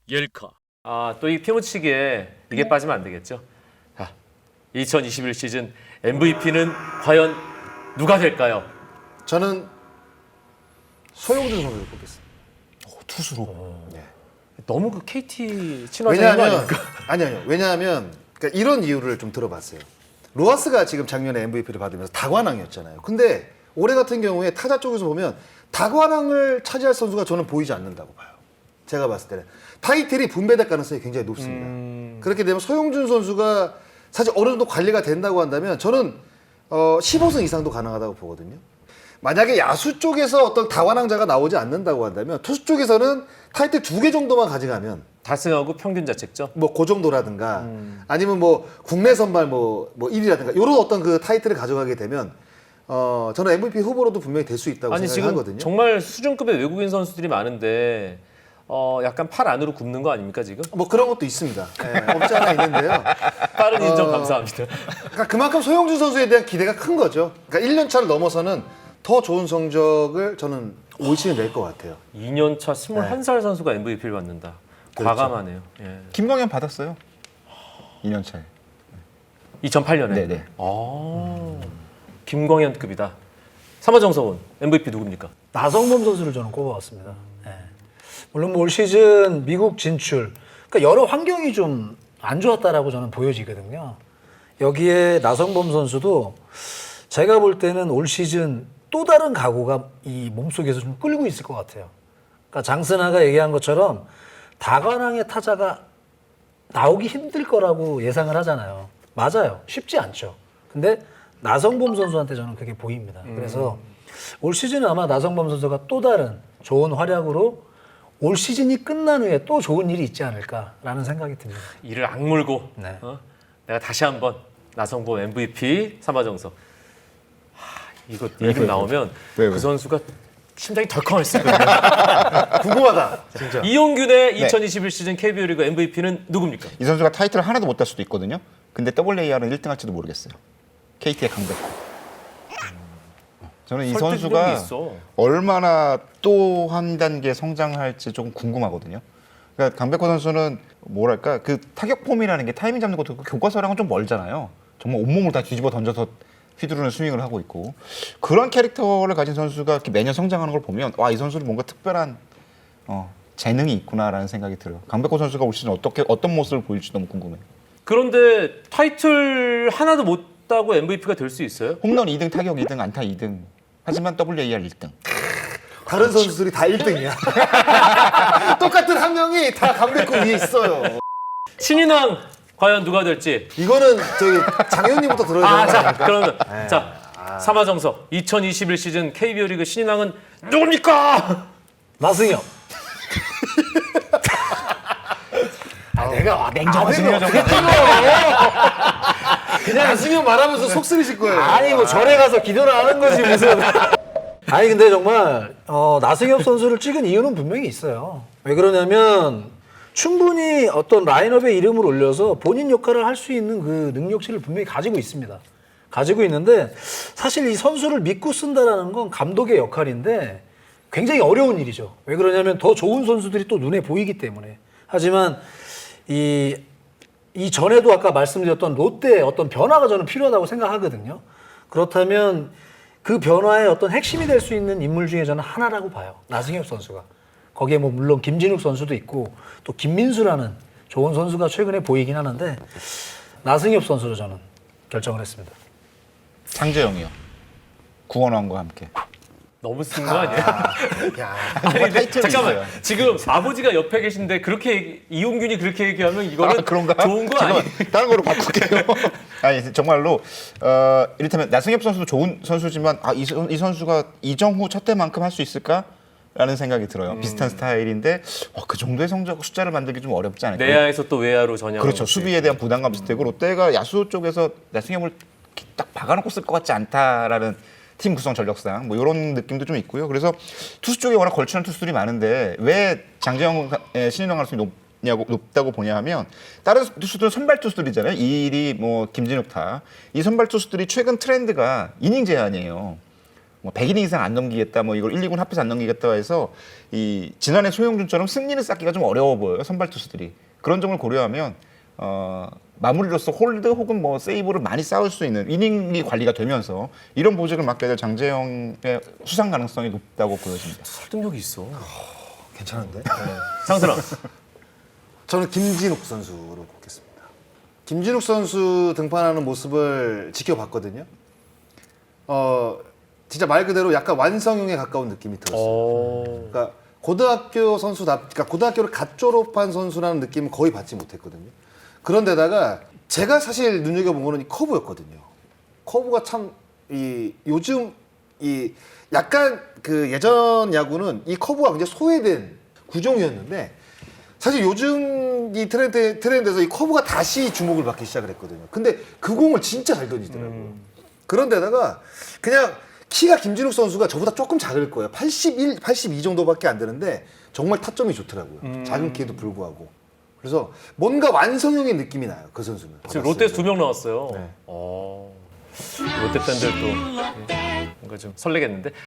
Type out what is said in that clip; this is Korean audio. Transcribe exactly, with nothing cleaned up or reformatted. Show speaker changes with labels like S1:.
S1: 열카. 아, 또 이 피묻히기에 이게 빠지면 안 되겠죠. 자, 이천이십일 시즌 엠브이피는 과연 누가 될까요?
S2: 저는 소용준 선수를 꼽겠습니다.
S3: 투수로.
S2: 네.
S1: 너무 그 케이티 친화적인 거
S2: 왜냐하면
S1: 아닙니까?
S2: 아니 아니요. 왜냐하면 그러니까 이런 이유를 좀 들어봤어요. 로하스가 지금 작년에 엠브이피를 받으면서 다관왕이었잖아요. 근데 올해 같은 경우에 타자 쪽에서 보면 다관왕을 차지할 선수가 저는 보이지 않는다고 봐요. 제가 봤을 때는 타이틀이 분배될 가능성이 굉장히 높습니다.
S1: 음...
S2: 그렇게 되면 소용준 선수가 사실 어느 정도 관리가 된다고 한다면 저는 어, 십오 승 이상도 가능하다고 보거든요. 만약에 야수 쪽에서 어떤 다관왕자가 나오지 않는다고 한다면 투수 쪽에서는 타이틀 두 개 정도만 가져가면
S1: 달성하고 평균 자책점.
S2: 뭐 그 정도라든가
S1: 음.
S2: 아니면 뭐 국내 선발 뭐, 뭐 일 위라든가 이런 어떤 그 타이틀을 가져가게 되면 어 저는 엠브이피 후보로도 분명히 될 수 있다고
S1: 아니 지금
S2: 생각하거든요.
S1: 정말 수준급의 외국인 선수들이 많은데 어 약간 팔 안으로 굽는 거 아닙니까 지금?
S2: 뭐 그런 것도 있습니다. 네, 없지 않아 있는데요.
S1: 빠른 인정
S2: 어,
S1: 감사합니다.
S2: 그러니까 그만큼 소용준 선수에 대한 기대가 큰 거죠. 그러니까 일 년 차를 넘어서는 더 좋은 성적을 저는 올 시즌 낼 것 같아요.
S1: 이 년 차 스물한 살 선수가 엠브이피를 받는다.
S2: 그렇죠.
S1: 과감하네요. 예.
S3: 김광현 받았어요. 이 년 차에.
S1: 이천팔 년에.
S3: 네네.
S1: 아, 김광현급이다. 삼화정서원 엠브이피 누굽니까?
S4: 나성범 선수를 저는 꼽아왔습니다. 예. 물론 뭐올 시즌 미국 진출, 그러니까 여러 환경이 좀 안 좋았다라고 저는 보여지거든요. 여기에 나성범 선수도 제가 볼 때는 올 시즌 또 다른 각오가 이 몸속에서 좀 끌고 있을 것 같아요. 그러니까 장승아가 얘기한 것처럼 다관왕의 타자가 나오기 힘들 거라고 예상을 하잖아요. 맞아요. 쉽지 않죠. 근데 나성범 선수한테 저는 그게 보입니다. 그래서 올 시즌은 아마 나성범 선수가 또 다른 좋은 활약으로 올 시즌이 끝난 후에 또 좋은 일이 있지 않을까라는 생각이 듭니다.
S1: 이를 악물고
S4: 네.
S1: 어? 내가 다시 한번 나성범 엠브이피 삼화정서. 하, 이거
S3: 왜,
S1: 이름
S3: 왜,
S1: 나오면
S3: 왜, 왜?
S1: 그 선수가 심장이 덜컹했을 거예요.
S2: 궁금하다, 진짜.
S1: 이용균의 이천이십일 시즌 케이비오 리그 엠브이피는 누굽니까?
S3: 이 선수가 타이틀을 하나도 못 딸 수도 있거든요. 근데 더블유에이알은 일 등 할지도 모르겠어요. 케이티의 강백호. 저는 이
S1: 설득력이
S3: 선수가
S1: 있어.
S3: 얼마나 또 한 단계 성장할지 조금 궁금하거든요. 그러니까 강백호 선수는 뭐랄까 그 타격 폼이라는 게 타이밍 잡는 것도 그 교과서랑은 좀 멀잖아요. 정말 온몸을 다 뒤집어 던져서 휘두르는 스윙을 하고 있고 그런 캐릭터를 가진 선수가 이렇게 매년 성장하는 걸 보면 와, 이 선수는 뭔가 특별한 어, 재능이 있구나라는 생각이 들어요. 강백호 선수가 올 시즌 어떻게 어떤 모습을 보일지 너무 궁금해요.
S1: 그런데 타이틀 하나도 못 따고 엠브이피가 될 수 있어요?
S3: 홈런 이 등, 타격 이 등, 안타 이 등. 하지만 더블유에이알 일 등.
S2: 다른 선수들이 다 일 등이야. 똑같은 한 명이 다 강백호 위에 있어요.
S1: 신인왕 과연 누가 될지.
S2: 이거는 저기 장현님부터 들어야
S1: 아,
S2: 되는 거
S1: 자,
S2: 아닙니까?
S1: 그러면
S2: 네.
S1: 자 삼화정서 이천이십일 시즌 케이비오 리그 신인왕은 누굽니까?
S4: 나승엽. 아, 내가 냉정하시네요,
S2: 아,
S4: 정말.
S2: 그냥 나승현 말하면서 속 쓰리실 거예요.
S4: 아니 뭐 절에 가서 기도를 하는 거지 무슨. 아니 근데 정말 어, 나승엽 선수를 찍은 이유는 분명히 있어요. 왜 그러냐면 충분히 어떤 라인업에 이름을 올려서 본인 역할을 할 수 있는 그 능력치를 분명히 가지고 있습니다. 가지고 있는데 사실 이 선수를 믿고 쓴다라는 건 감독의 역할인데 굉장히 어려운 일이죠. 왜 그러냐면 더 좋은 선수들이 또 눈에 보이기 때문에. 하지만 이 이 전에도 아까 말씀드렸던 롯데의 어떤 변화가 저는 필요하다고 생각하거든요. 그렇다면 그 변화의 어떤 핵심이 될 수 있는 인물 중에 저는 하나라고 봐요. 나승엽 선수가. 거기에 뭐 물론 김진욱 선수도 있고 또 김민수라는 좋은 선수가 최근에 보이긴 하는데 나승엽 선수로 저는 결정을 했습니다.
S3: 장재영이요. 구원왕과 함께.
S1: 너무 쓴 거 아니야?
S2: 야,
S1: 아니, 근데
S3: 타이틀이
S1: 잠깐만
S3: 있어요.
S1: 지금 아버지가 옆에 계신데 그렇게 얘기- 이용균이 그렇게 얘기하면 이거는
S3: 아, 그런가?
S1: 좋은 거
S3: 잠깐만,
S1: 아니에요?
S3: 다른 거로 바꿀게요. 아니 정말로 어, 이를테면 나승엽 선수도 좋은 선수지만 아, 이, 선- 이 선수가 이정후 첫 때만큼 할 수 있을까라는 생각이 들어요.
S1: 음.
S3: 비슷한 스타일인데 어, 그 정도의 성적 숫자를 만들기 좀 어렵지 않을까?
S1: 내야에서 또 외야로 전향.
S3: 그렇죠. 수비에 대한 부담감 비슷하고 롯데가 야수 쪽에서 나승엽을 이렇게 딱 박아놓고 쓸 것 같지 않다라는 팀 구성 전력상 뭐 이런 느낌도 좀 있고요. 그래서 투수 쪽에 워낙 걸치는 투수들이 많은데 왜 장재영의 신인왕 가능성이 높냐고 높다고 보냐 하면 다른 투수들은 선발 투수들이잖아요. 이일이 뭐 김진욱 타. 이 선발 투수들이 최근 트렌드가 이닝 제한이에요. 뭐 백 이닝 이상 안 넘기겠다, 뭐 이걸 일, 이 군 합해서 안 넘기겠다 해서 이 지난해 소영준처럼 승리를 쌓기가 좀 어려워 보여요, 선발 투수들이. 그런 점을 고려하면 어, 마무리로서 홀드 혹은 뭐 세이브를 많이 쌓을 수 있는 이닝이 관리가 되면서 이런 보직을 맡게 될 장재영의 수상 가능성이 높다고 보여집니다.
S1: 설득력이 있어.
S2: 괜찮은데?
S1: 장선아.
S2: 저는 김진욱 선수로 꼽겠습니다. 김진욱 선수 등판하는 모습을 지켜봤거든요. 어, 진짜 말 그대로 약간 완성형에 가까운 느낌이 들었어요.
S1: 어.
S2: 그러니까 고등학교 선수다, 그러니까 고등학교를 갓 졸업한 선수라는 느낌은 거의 받지 못했거든요. 그런데다가 제가 사실 눈여겨본 거는 이 커브였거든요. 커브가 참 이 요즘 이 약간 그 예전 야구는 이 커브가 굉장히 소외된 구종이었는데 사실 요즘 이 트렌드 트렌드에서 이 커브가 다시 주목을 받기 시작을 했거든요. 근데 그 공을 진짜 잘 던지더라고요.
S1: 음.
S2: 그런데다가 그냥 키가 김진욱 선수가 저보다 조금 작을 거예요. 팔십일, 팔십이 정도밖에 안 되는데 정말 타점이 좋더라고요.
S1: 음.
S2: 작은 키에도 불구하고. 그래서 뭔가 완성형의 느낌이 나요. 그 선수는.
S1: 지금
S2: 받았을
S1: 롯데에서
S2: 때.
S1: 두 명 나왔어요.
S2: 네.
S1: 어. 롯데 팬들도 뭔가 좀 설레겠는데.